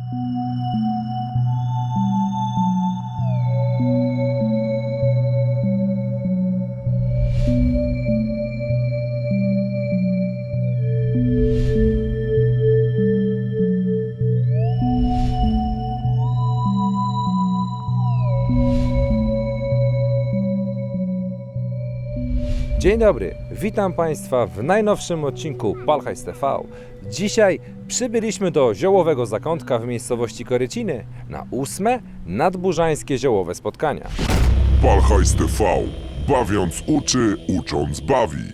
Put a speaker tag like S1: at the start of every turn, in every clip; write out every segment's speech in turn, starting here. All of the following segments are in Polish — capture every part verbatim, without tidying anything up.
S1: Dzień dobry, witam Państwa w najnowszym odcinku Palhajs T V. Dzisiaj przybyliśmy do ziołowego zakątka w miejscowości Koryciny na ósme nadburzańskie ziołowe spotkania.
S2: Palhajs T V. Bawiąc uczy, ucząc bawi.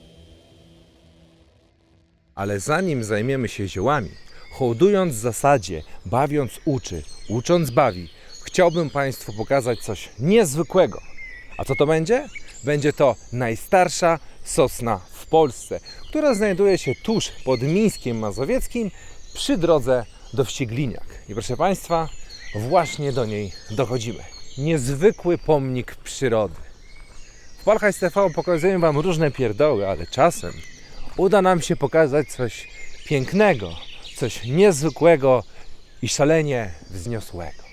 S1: Ale zanim zajmiemy się ziołami, hołdując zasadzie bawiąc uczy, ucząc bawi, chciałbym Państwu pokazać coś niezwykłego. A co to będzie? Będzie to najstarsza sosna w Polsce, która znajduje się tuż pod Mińskiem Mazowieckim przy drodze do Wścigliniak. I proszę Państwa, właśnie do niej dochodzimy. Niezwykły pomnik przyrody. W Palhajs T V pokazuję Wam różne pierdoły, ale czasem uda nam się pokazać coś pięknego, coś niezwykłego i szalenie wzniosłego.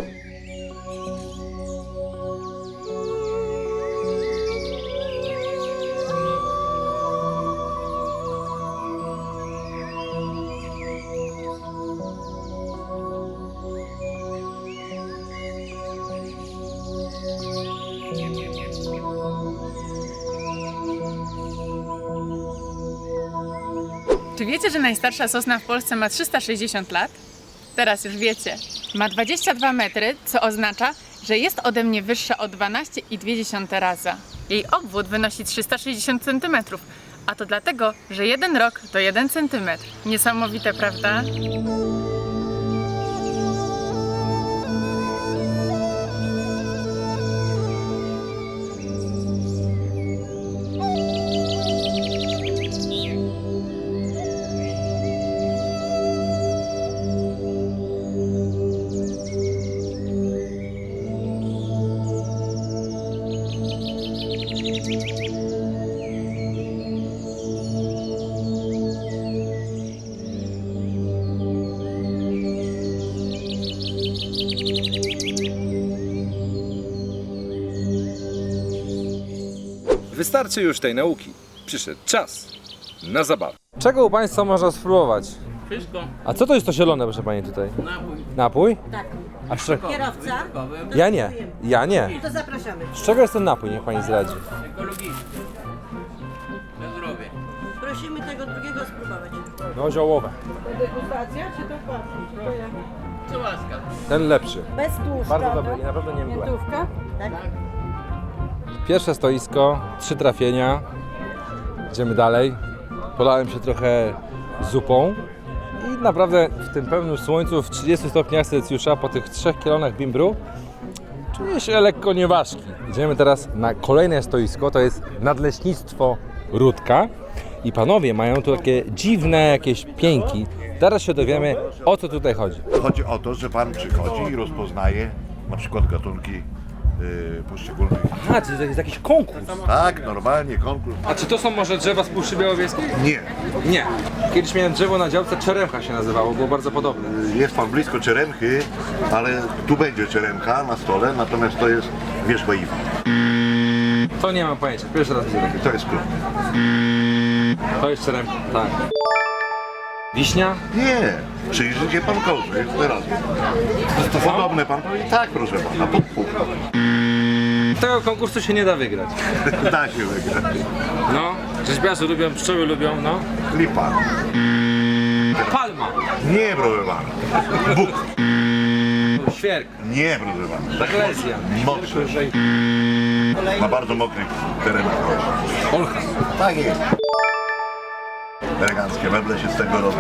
S3: Czy wiecie, że najstarsza sosna w Polsce ma trzysta sześćdziesiąt lat? Teraz już wiecie. Ma dwadzieścia dwa metry, co oznacza, że jest ode mnie wyższa o dwanaście i dwie dziesiąte raza. Jej obwód wynosi trzysta sześćdziesiąt centymetrów, a to dlatego, że jeden rok to jeden centymetr. Niesamowite, prawda?
S1: Wystarczy już tej nauki. Przyszedł czas na zabawę. Czego u Państwa można spróbować?
S4: Wszystko.
S1: A co to jest to zielone, proszę Pani, tutaj?
S4: Napój.
S1: Napój?
S5: Tak.
S1: A z czego?
S5: Kierowca?
S1: Ja nie. Ja nie.
S5: To zapraszamy.
S1: Z czego jest ten napój? Niech Pani zdradzi.
S4: Ekologiczny. Na zdrowie.
S5: Prosimy tego drugiego spróbować.
S1: No, ziołowe.
S5: Degustacja czy to płatność?
S4: Co łaska.
S1: Ten lepszy.
S5: Bez tłuszczu.
S1: Bardzo dobry, nie, naprawdę nie mdłe.
S5: Miętówka? Tak.
S1: Pierwsze stoisko, trzy trafienia. Idziemy dalej. Polałem się trochę zupą. I naprawdę w tym pełnym słońcu, w trzydziestu stopniach Celsjusza, po tych trzech kilonach bimbru, czuję się lekko nieważki. Idziemy teraz na kolejne stoisko, to jest Nadleśnictwo Rudka. I panowie mają tu takie dziwne jakieś pięki. Zaraz się dowiemy, o co tutaj chodzi.
S6: Chodzi o to, że pan przychodzi i rozpoznaje na przykład gatunki yy, poszczególnych.
S1: A, czy to jest jakiś konkurs?
S6: Tak, normalnie konkurs.
S1: A czy to są może drzewa z Puszczy Białowieskiej?
S6: Nie.
S1: Nie. Kiedyś miałem drzewo na działce, Czeremcha się nazywało, było bardzo podobne.
S6: Jest pan blisko Czeremchy, ale tu będzie Czeremcha na stole, natomiast to jest wierzba Iwa.
S1: To nie mam pojęcia, pierwszy raz widzę takie.
S6: To jest klub.
S1: To jest Czeremcha, tak. Wiśnia?
S6: Nie. Przyjrzy się pan kołże, jest teraz. To podobne pan powie? Tak, proszę pana, pół, pół.
S1: Tego konkursu się nie da wygrać.
S6: Da się wygrać.
S1: No, rzeźbiarze lubią, pszczoły lubią, no.
S6: Lipa.
S1: Palma,
S6: Nie, proszę pana. Bóg.
S1: świerk,
S6: Nie, proszę pana.
S1: eklezja,
S6: Mocny. Na bardzo mokrych terenach.
S1: olcha.
S6: Tak jest. Eleganckie meble się z tego robi.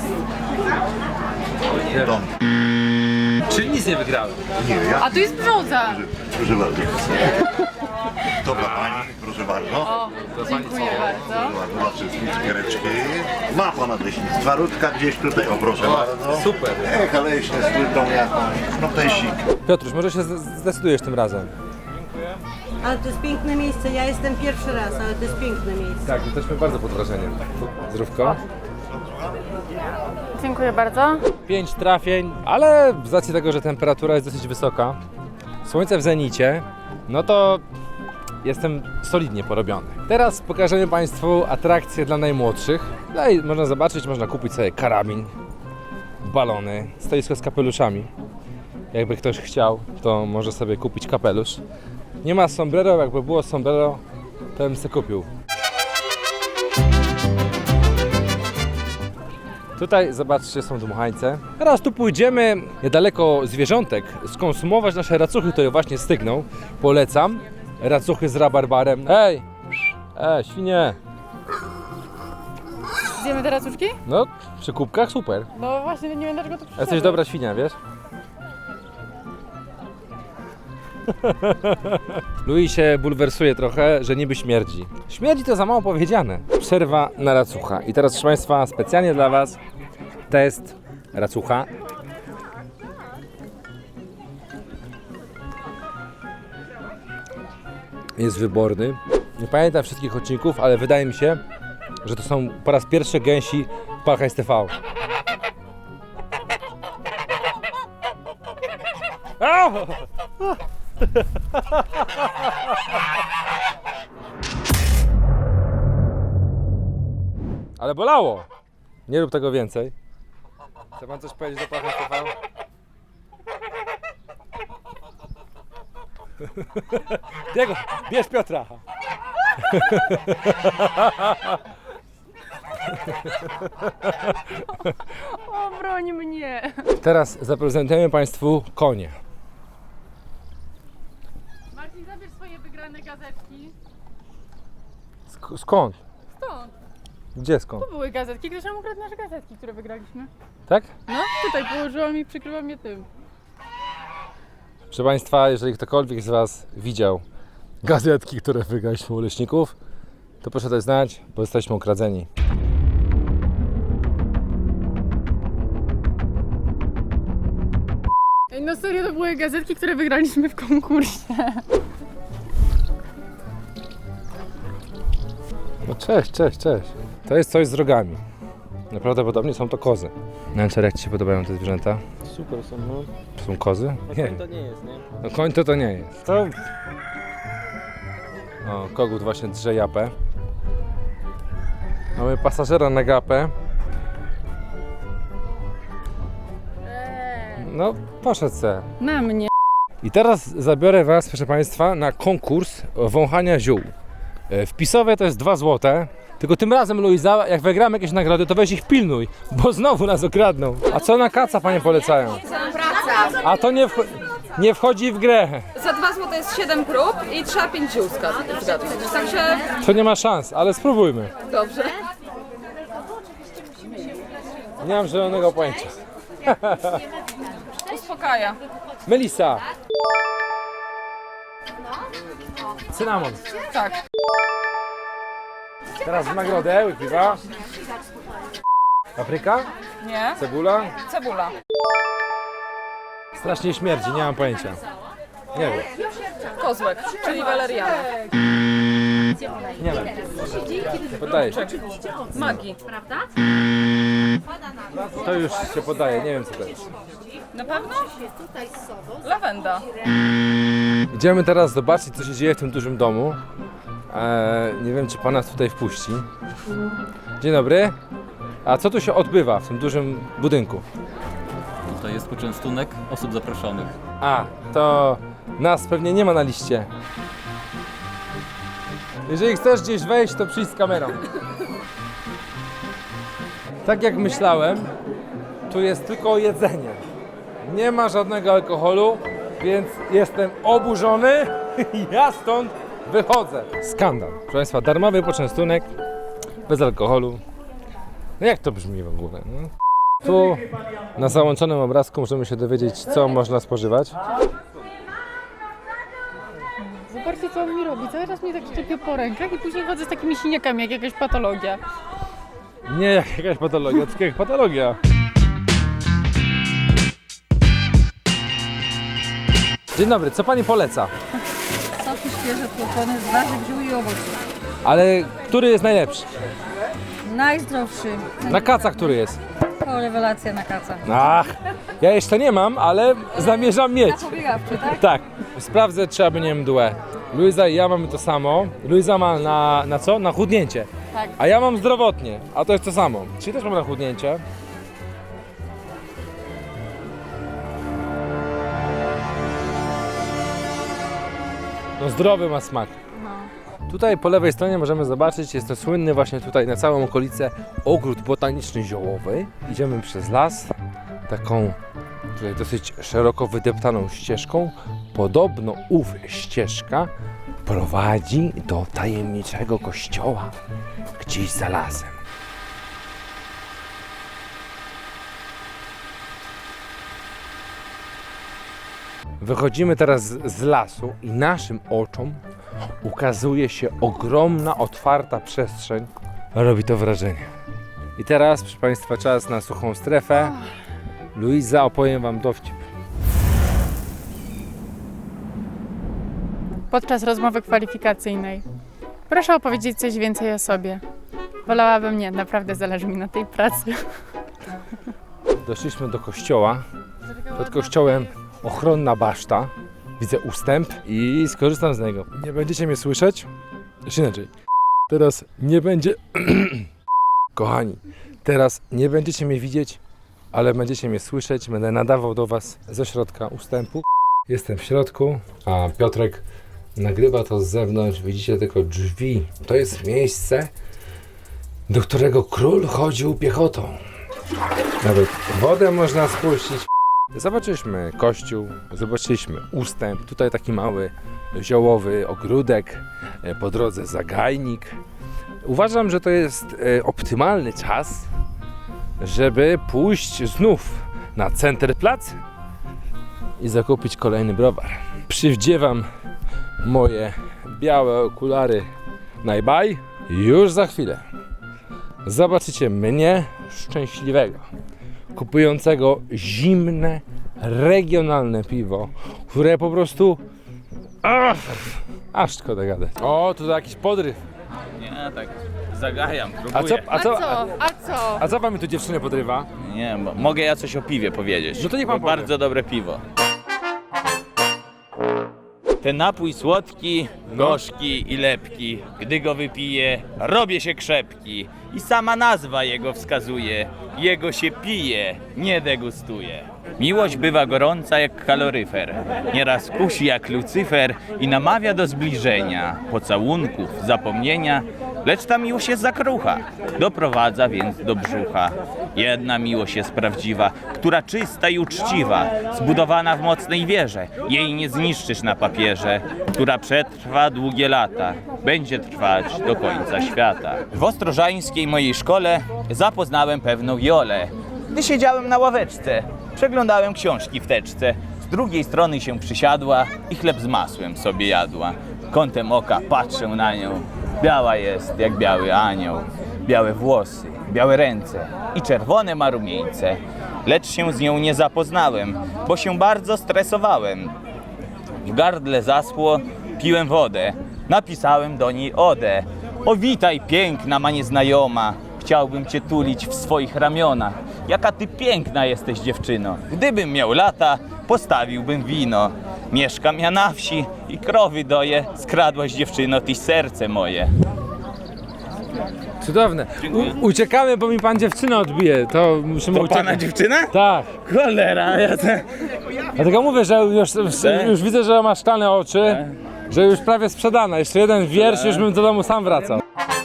S6: Dom.
S1: Czyli nic nie wygrałem.
S6: Nie, ja.
S3: A tu jest brzoza!
S6: Proszę bardzo. To dla pani, proszę bardzo.
S3: O, dziękuję bardzo.
S6: Proszę bardzo, dla wszystkich cukiereczki. Ma pan Nadleśnictwa Rudka gdzieś tutaj, o proszę bardzo.
S1: Super.
S6: Echa leśne z płytą jakąś. No tesik.
S1: Piotruś, może się z- zdecydujesz tym razem?
S5: Ale to jest piękne miejsce. Ja jestem pierwszy raz, ale to jest piękne miejsce.
S1: Tak, jesteśmy bardzo pod wrażeniem. Zdrówko.
S3: Dziękuję bardzo.
S1: Pięć trafień, ale z racji tego, że temperatura jest dosyć wysoka, słońce w zenicie, no to jestem solidnie porobiony. Teraz pokażemy Państwu atrakcje dla najmłodszych. Tutaj można zobaczyć, można kupić sobie karabin, balony, stoisko z kapeluszami. Jakby ktoś chciał, to może sobie kupić kapelusz. Nie ma sombrero, jakby było sombrero, to bym sobie kupił. Tutaj zobaczcie, są dmuchańce. Teraz tu pójdziemy niedaleko zwierzątek, skonsumować nasze racuchy, które właśnie stygną. Polecam. Racuchy z rabarbarem. Ej! Ej, świnie!
S3: Zjemy te racuszki?
S1: No, przy kubkach super.
S3: No właśnie, nie wiem dlaczego to przyszedłeś.
S1: Jesteś dobra świnia, wiesz? Louis się bulwersuje trochę, że niby śmierdzi. Śmierdzi to za mało powiedziane. Przerwa na racucha. I teraz, proszę Państwa, specjalnie dla Was test racucha. Jest wyborny. Nie pamiętam wszystkich odcinków, ale wydaje mi się, że to są po raz pierwszy gęsi w Parkaj T V. Au! Ale bolało. Nie rób tego więcej. Chce pan coś powiedzieć do Parkaj T V? Diego, bierz Piotra.
S3: O, broń mnie.
S1: Teraz zaprezentujemy Państwu konie.
S3: Marcin, zabierz swoje wygrane gazetki.
S1: Sk- skąd?
S3: Stąd.
S1: Gdzie skąd?
S3: Tu były gazetki, ktoś nam ukradł nasze gazetki, które wygraliśmy.
S1: Tak?
S3: No, tutaj położyłam i przykryłam je tym.
S1: Proszę Państwa, jeżeli ktokolwiek z Was widział gazetki, które wygraliśmy u leśników, to proszę dać znać, bo jesteśmy ukradzeni.
S3: Ej, no serio, to były gazetki, które wygraliśmy w konkursie.
S1: No cześć, cześć, cześć. To jest coś z rogami. Prawdopodobnie są to kozy. Nancer, jak Ci się podobają te zwierzęta?
S7: Super są, no.
S1: Są kozy? Nie.
S7: To nie jest, nie?
S1: No koń to to nie jest. To... O, kogut właśnie drze japę. Mamy pasażera na gapę. No, poszedł se.
S3: Na mnie.
S1: I teraz zabiorę Was, proszę Państwa, na konkurs wąchania ziół. E, Wpisowe to jest dwa złote. Tylko tym razem, Luiza, jak wygramy jakieś nagrody, to weź ich pilnuj, bo znowu nas okradną. A co na kaca Panie polecają?
S8: Praca.
S1: A to nie, wcho- nie wchodzi w grę.
S8: Za dwa złote jest siedem prób i trzeba pięć ziół zgadnąć. zgadnąć. Także
S1: To nie ma szans, ale spróbujmy.
S8: dobrze.
S1: Nie mam zielonego pojęcia.
S8: Uspokaja.
S1: Melisa. Cynamon.
S8: Tak.
S1: Teraz w nagrodę łypiwa. Papryka?
S8: Nie.
S1: Cebula?
S8: Cebula.
S1: Strasznie śmierdzi, nie mam pojęcia. Nie wiem.
S8: Kozłek, czyli waleriana.
S1: Nie wiem. Nie podaje się.
S8: Magii.
S1: To już się podaje, nie wiem co to jest.
S8: Na pewno? Lawenda.
S1: Idziemy teraz zobaczyć, co się dzieje w tym dużym domu. Eee, nie wiem, czy pan nas tutaj wpuści. Dzień dobry. A co tu się odbywa w tym dużym budynku?
S9: To jest poczęstunek osób zaproszonych.
S1: A, to nas pewnie nie ma na liście. Jeżeli chcesz gdzieś wejść, to przyjdź z kamerą. Tak jak myślałem, tu jest tylko jedzenie. Nie ma żadnego alkoholu, więc jestem oburzony i ja stąd wychodzę. Skandal. Proszę Państwa, darmowy poczęstunek, bez alkoholu. No jak to brzmi w ogóle? No? Tu na załączonym obrazku możemy się dowiedzieć, co można spożywać.
S3: Zobaczcie, co on mi robi. Cały czas mnie tak szczepie po rękach i później chodzę z takimi siniakami, jak jakaś patologia.
S1: Nie jak jakaś patologia, tylko jak patologia. Dzień dobry, co pani poleca?
S5: Soki świeże tłoczone z warzyw, ziół i owoców.
S1: Ale który jest najlepszy?
S5: Najzdrowszy.
S1: Na kaca który jest?
S5: Kozły. taką rewelację na kaca.
S1: Ach, ja jeszcze nie mam, ale zamierzam mieć.
S8: Pobiegawczy, tak?
S1: Tak, sprawdzę, czy aby nie mdłe. Luiza i ja mamy to samo. Luiza ma na, na co? Na chudnięcie.
S8: Tak.
S1: A ja mam zdrowotnie, a to jest to samo. Czyli też mam na chudnięcie. No zdrowy ma smak. Tutaj po lewej stronie możemy zobaczyć, jest to słynny właśnie tutaj na całą okolicę ogród botaniczny ziołowy. Idziemy przez las, taką tutaj dosyć szeroko wydeptaną ścieżką. Podobno ów ścieżka prowadzi do tajemniczego kościoła gdzieś za lasem. Wychodzimy teraz z z lasu i naszym oczom ukazuje się ogromna, otwarta przestrzeń. Robi to wrażenie. I teraz, proszę Państwa, czas na suchą strefę. Luiza, opowiem Wam dowcip.
S3: Podczas rozmowy kwalifikacyjnej. Proszę opowiedzieć coś więcej o sobie. Wolałabym nie, naprawdę zależy mi na tej pracy.
S1: Doszliśmy do kościoła. Pod kościołem ochronna baszta. Widzę ustęp i skorzystam z niego. Nie będziecie mnie słyszeć? Jeszcze inaczej. Teraz nie będzie... Kochani, teraz nie będziecie mnie widzieć, ale będziecie mnie słyszeć. Będę nadawał do Was ze środka ustępu. Jestem w środku, a Piotrek nagrywa to z zewnątrz. Widzicie tylko drzwi. To jest miejsce, do którego król chodził piechotą. Nawet wodę można spuścić. Zobaczyliśmy kościół, zobaczyliśmy ustęp, tutaj taki mały ziołowy ogródek, po drodze zagajnik. Uważam, że to jest e, optymalny czas, żeby pójść znów na Centerplac i zakupić kolejny browar. Przywdziewam moje białe okulary Najbaj. Już za chwilę zobaczycie mnie szczęśliwego, kupującego zimne, regionalne piwo, które po prostu... Ach, aż szkoda gadać. O, tutaj jakiś podryw.
S4: Nie, tak zagajam,
S1: A
S4: próbuję.
S1: co, a co, a,
S3: A co?
S1: a co wam tu dziewczynę podrywa?
S4: Nie, bo mogę ja coś o piwie powiedzieć.
S1: No to niech pan
S4: Bo
S1: powie.
S4: bardzo dobre piwo. Ten napój słodki,
S1: No.
S4: gorzki i lepki. Gdy go wypiję, robię się krzepki. I sama nazwa jego wskazuje. Jego się pije, nie degustuje. Miłość bywa gorąca jak kaloryfer. Nieraz kusi jak Lucyfer i namawia do zbliżenia, pocałunków, zapomnienia. Lecz ta miłość jest zakrucha, doprowadza więc do brzucha. Jedna miłość jest prawdziwa, która czysta i uczciwa, zbudowana w mocnej wierze. Jej nie zniszczysz na papierze, która przetrwa długie lata, będzie trwać do końca świata. W ostrożańskiej mojej szkole zapoznałem pewną Jolę. Gdy siedziałem na ławeczce, przeglądałem książki w teczce. Z drugiej strony się przysiadła i chleb z masłem sobie jadła. Kątem oka patrzę na nią. Biała jest jak biały anioł. Białe włosy, białe ręce i czerwone ma rumieńce. Lecz się z nią nie zapoznałem, bo się bardzo stresowałem. W gardle zaschło, piłem wodę. Napisałem do niej odę. O witaj piękna ma nieznajoma. Chciałbym cię tulić w swoich ramionach. Jaka ty piękna jesteś dziewczyno. Gdybym miał lata, postawiłbym wino. Mieszkam ja na wsi i krowy doję. Skradłaś dziewczyno tyś serce moje.
S1: Cudowne. U, uciekamy, bo mi pan dziewczynę odbije. To musimy
S4: To
S1: uciekać.
S4: pana dziewczyna?
S1: Tak.
S4: Cholera, ja te...
S1: Dlatego mówię, że już, już,
S4: Tak?
S1: już widzę, że ma szklane oczy, że już prawie sprzedana. Jeszcze jeden wiersz, już bym do domu sam wracał.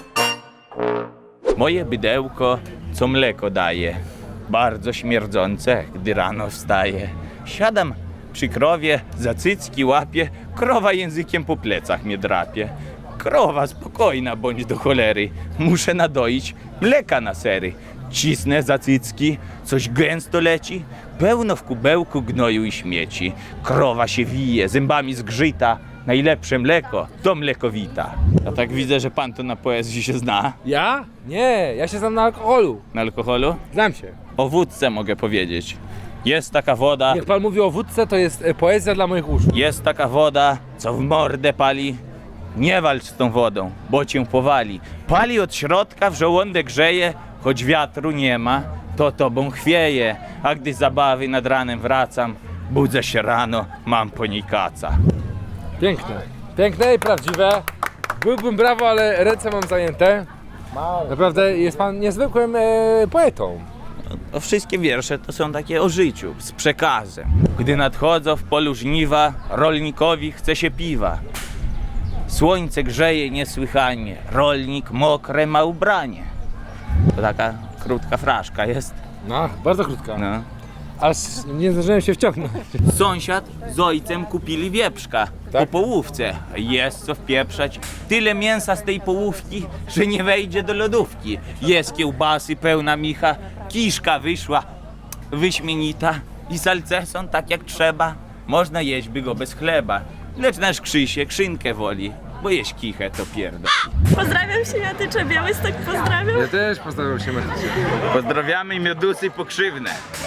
S4: Moje bydełko, co mleko daje, bardzo śmierdzące, gdy rano wstaje. Siadam przy krowie, za cycki łapie, krowa językiem po plecach mnie drapie. Krowa, spokojna bądź do cholery, muszę nadoić mleka na sery. Cisnę za cycki, coś gęsto leci, pełno w kubełku gnoju i śmieci. Krowa się wije, zębami zgrzyta, najlepsze mleko to mlekowita. A tak widzę, że pan to na poezji się zna.
S1: Ja? Nie, ja się znam na alkoholu.
S4: Na alkoholu?
S1: Znam się.
S4: O wódce mogę powiedzieć. Jest taka woda,
S1: Niech pan mówi o wódce, to jest e, poezja dla moich uszu.
S4: jest taka woda, co w mordę pali. Nie walcz z tą wodą, bo cię powali. Pali od środka, w żołądek grzeje, choć wiatru nie ma. to tobą chwieje, a gdy z zabawy nad ranem wracam, budzę się rano, mam po niej kaca.
S1: Piękne. Piękne i prawdziwe. Byłbym brawo, ale ręce mam zajęte. Naprawdę jest pan niezwykłym e, poetą.
S4: No, wszystkie wiersze to są takie o życiu, z przekazem. Gdy nadchodzą w polu żniwa, rolnikowi chce się piwa. Słońce grzeje niesłychanie, rolnik mokre ma ubranie. To taka krótka fraszka jest.
S1: No, bardzo krótka.
S4: No.
S1: Aż nie zdążyłem się wciągnąć.
S4: Sąsiad z ojcem kupili wieprzka po
S1: Tak?
S4: połówce. Jest co wpieprzać. Tyle mięsa z tej połówki, że nie wejdzie do lodówki. Jest kiełbasy pełna micha, kiszka wyszła wyśmienita i salceson tak jak trzeba. Można jeść by go bez chleba. Lecz nasz Krzysiek szynkę woli, bo jeść kichę to pierdol.
S7: Pozdrawiam się, Jatyczę, Białystok pozdrawiam.
S1: Ja też pozdrawiam się, Matycie.
S4: Pozdrawiamy miodusy pokrzywne.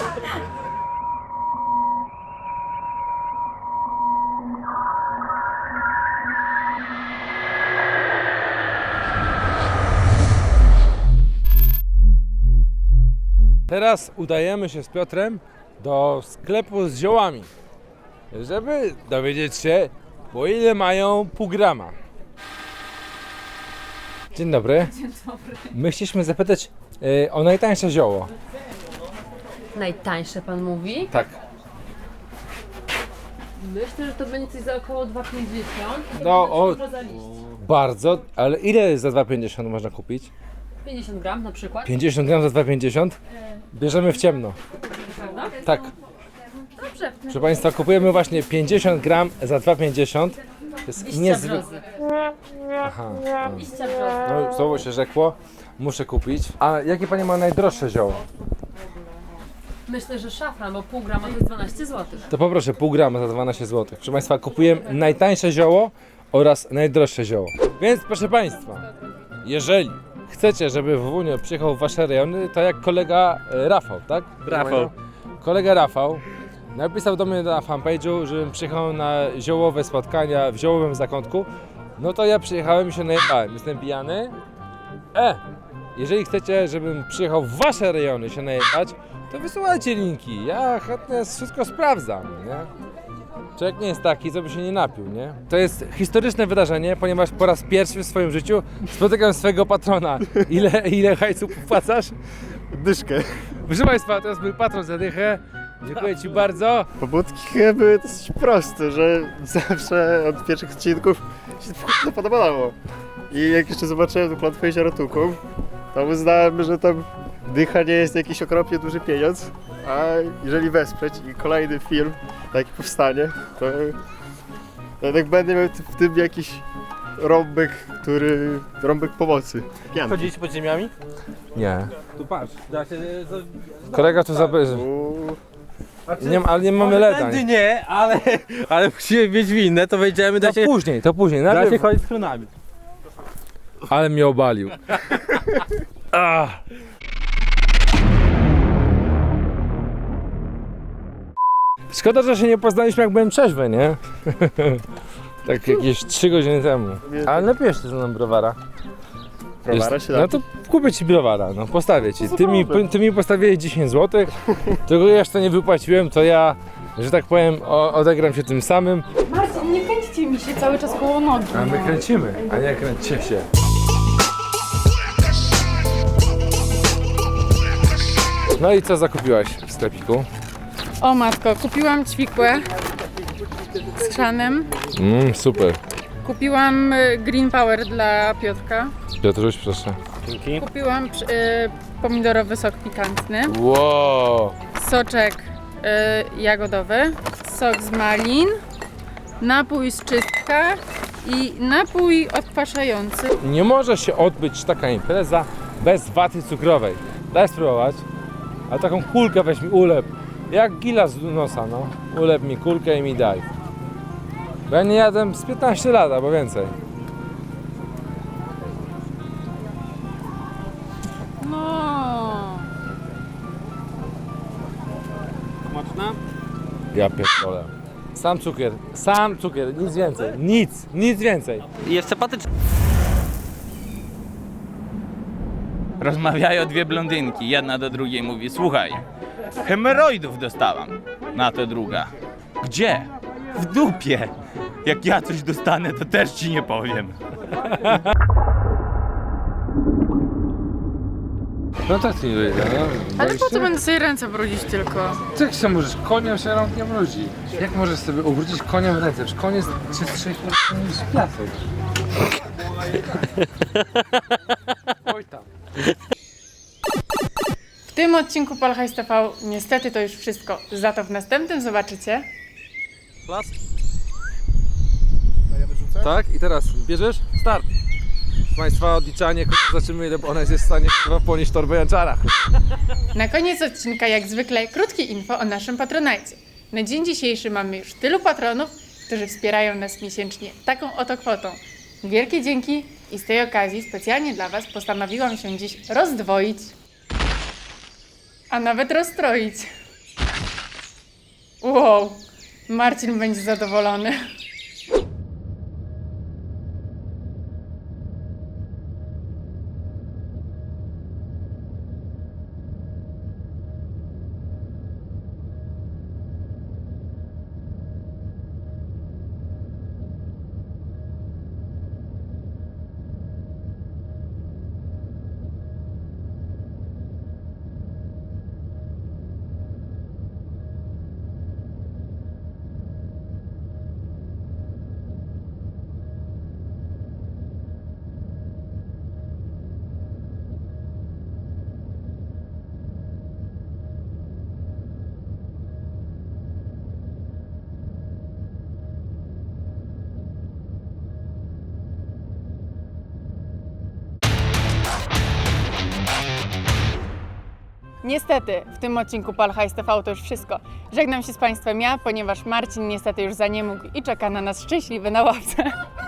S1: Teraz udajemy się z Piotrem do sklepu z ziołami, żeby dowiedzieć się, po ile mają pół grama. Dzień dobry. Dzień dobry. My chcieliśmy zapytać y, o najtańsze zioło.
S8: Najtańsze pan mówi?
S1: Tak.
S8: Myślę, że to będzie coś za około dwa pięćdziesiąt.
S1: No, o, bardzo, ale ile za dwa złote pięćdziesiąt można kupić?
S8: pięćdziesiąt gram na przykład.
S1: pięćdziesiąt gram za dwa złote pięćdziesiąt? Bierzemy w ciemno.
S8: Prawda?
S1: Tak.
S8: Dobrze.
S1: Proszę Państwa, kupujemy właśnie pięćdziesiąt gram za dwa złote pięćdziesiąt. To jest
S8: Liścia
S1: niezwykłe.
S8: brzozy.
S1: Aha.
S8: Liścia brzozy.
S1: No, słowo się rzekło. Muszę kupić. A jakie Pani ma najdroższe zioło?
S8: Myślę, że szafran, bo pół grama to jest dwanaście złotych.
S1: To poproszę pół grama za dwanaście złotych. Proszę Państwa, kupujemy najtańsze zioło oraz najdroższe zioło. Więc proszę Państwa, jeżeli chcecie, żeby Wunio przyjechał w Wasze rejony, to jak kolega e, Rafał, tak?
S4: Rafał.
S1: Kolega Rafał napisał do mnie na fanpage'u, żebym przyjechał na ziołowe spotkania w ziołowym zakątku. No to ja przyjechałem i się najebałem. Jestem pijany. E! Jeżeli chcecie, żebym przyjechał w Wasze rejony się najebać, to wysyłajcie linki. Ja chętnie wszystko sprawdzam, nie? Człowiek nie jest taki, co by się nie napił, nie? To jest historyczne wydarzenie, ponieważ po raz pierwszy w swoim życiu spotykam swojego patrona. Ile, ile hajsu płacasz?
S10: Dyszkę.
S1: Proszę Państwa, to jest mój patron za dychę. Dziękuję Ci bardzo.
S10: Pobudki chyba były dosyć proste, że zawsze od pierwszych odcinków się to podobało. I jak jeszcze zobaczyłem tą klątwę Jeziora Tuków, to uznałem, że tam dycha nie jest jakiś okropnie duży pieniądz, a jeżeli wesprzeć i kolejny film taki powstanie, to jednak będę miał w tym jakiś rąbek, który... rąbek pomocy. Pianki.
S11: Chodziliście pod ziemiami?
S1: Nie.
S11: Tu patrz, da się...
S1: Kolega tu zabierze.
S10: Uuu.
S1: Nie, ale nie mamy leda.
S11: Tędy nie, ale, ale musimy mieć winne, to wejdziemy, da
S1: To
S11: się,
S1: później, to później.
S11: da się
S1: Najpierw...
S11: chodzić z klonami.
S1: Ale mnie obalił. Ah. Szkoda, że się nie poznaliśmy, jak byłem trzeźwy, nie? Tak jakieś trzy godziny temu. Ale napijesz ty ze mną browara.
S10: Browara się da.
S1: No to kupię ci browara, no postawię ci. Ty mi, ty mi postawiłeś dziesięć złotych, tego ja jeszcze nie wypłaciłem, to ja, że tak powiem, o, odegram się tym samym.
S3: Marcin, nie kręćcie mi się cały czas koło nogi.
S1: A my kręcimy, a nie kręćcie się. No i co zakupiłaś w sklepiku?
S3: O matko, kupiłam ćwikłę z krzanem.
S1: Mmm, super.
S3: Kupiłam y, Green Power dla Piotrka.
S1: Piotruś, proszę.
S3: Kupiłam y, pomidorowy sok pikantny.
S1: Wow.
S3: Soczek y, jagodowy. Sok z malin. Napój z czystka. I napój odkwaszający.
S1: Nie może się odbyć taka impreza bez waty cukrowej. Daj spróbować. A taką kulkę weź mi, ulep. Jak gila z nosa, no. Ulep mi kulkę i mi daj. Bo ja nie jadłem z piętnaście lat, albo więcej.
S3: No.
S11: Smaczna?
S1: Ja pierdolę. Sam cukier, sam cukier, nic więcej. Nic, nic więcej.
S11: Jest sympatyczna.
S4: Rozmawiają dwie blondynki, jedna do drugiej mówi: słuchaj, hemoroidów dostałam. Na to druga: gdzie? W dupie. Jak ja coś dostanę, to też ci nie powiem.
S1: No tak nie wyjdę, no.
S3: Ale po co będę sobie ręce brudzić tylko?
S1: Jak się możesz koniem się rąk nie brudzi? Jak możesz sobie ubrudzić koniem ręce? Przecież konie jest czystszy niż piasek. Oj tam.
S3: W tym odcinku Polhajs T V niestety to już wszystko. Za to w następnym zobaczycie.
S11: Las. Tak, i teraz bierzesz? Start.
S1: Państwa odliczanie, zobaczymy ile ona jest w stanie chyba ponieść torbę Janczara.
S3: Na koniec odcinka jak zwykle krótkie info o naszym patronajcie. Na dzień dzisiejszy mamy już tylu patronów, którzy wspierają nas miesięcznie taką oto kwotą. Wielkie dzięki i z tej okazji specjalnie dla Was postanowiłam się dziś rozdwoić, a nawet rozstroić. Wow, Marcin będzie zadowolony. Niestety, w tym odcinku Polhajs T V to już wszystko. Żegnam się z Państwem ja, ponieważ Marcin niestety już za nie mógł i czeka na nas szczęśliwy na ławce.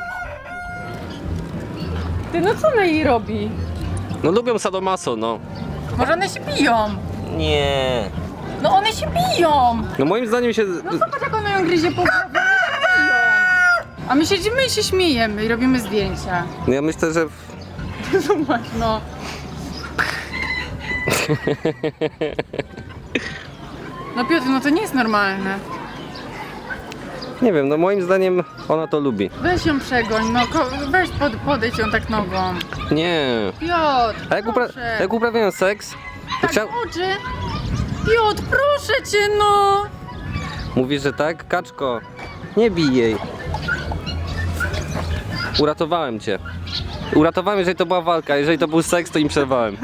S3: Ty, no co ona jej robi?
S11: No lubią sadomaso, no.
S3: Może one się biją?
S11: Nie.
S3: No one się biją!
S11: No moim zdaniem się...
S3: No zobacz jak ona ją gryzie po głowie, one się biją! A my siedzimy i się śmiejemy i robimy zdjęcia.
S11: No ja myślę, że...
S3: Zobacz, no. No Piotr, no to nie jest normalne.
S11: Nie wiem, no moim zdaniem ona to lubi.
S3: Weź ją przegoń, no ko- weź pod, podejdź ją tak nogą.
S11: Nie.
S3: Piotr,
S11: A jak, upra
S3: proszę.
S11: jak uprawiają seks, to
S3: Tak,
S11: chciał...
S3: oczy. Piotr, proszę cię, no.
S11: Mówisz, że tak? Kaczko, nie bij jej. Uratowałem cię. Uratowałem, jeżeli to była walka, jeżeli to był seks, to im przerwałem.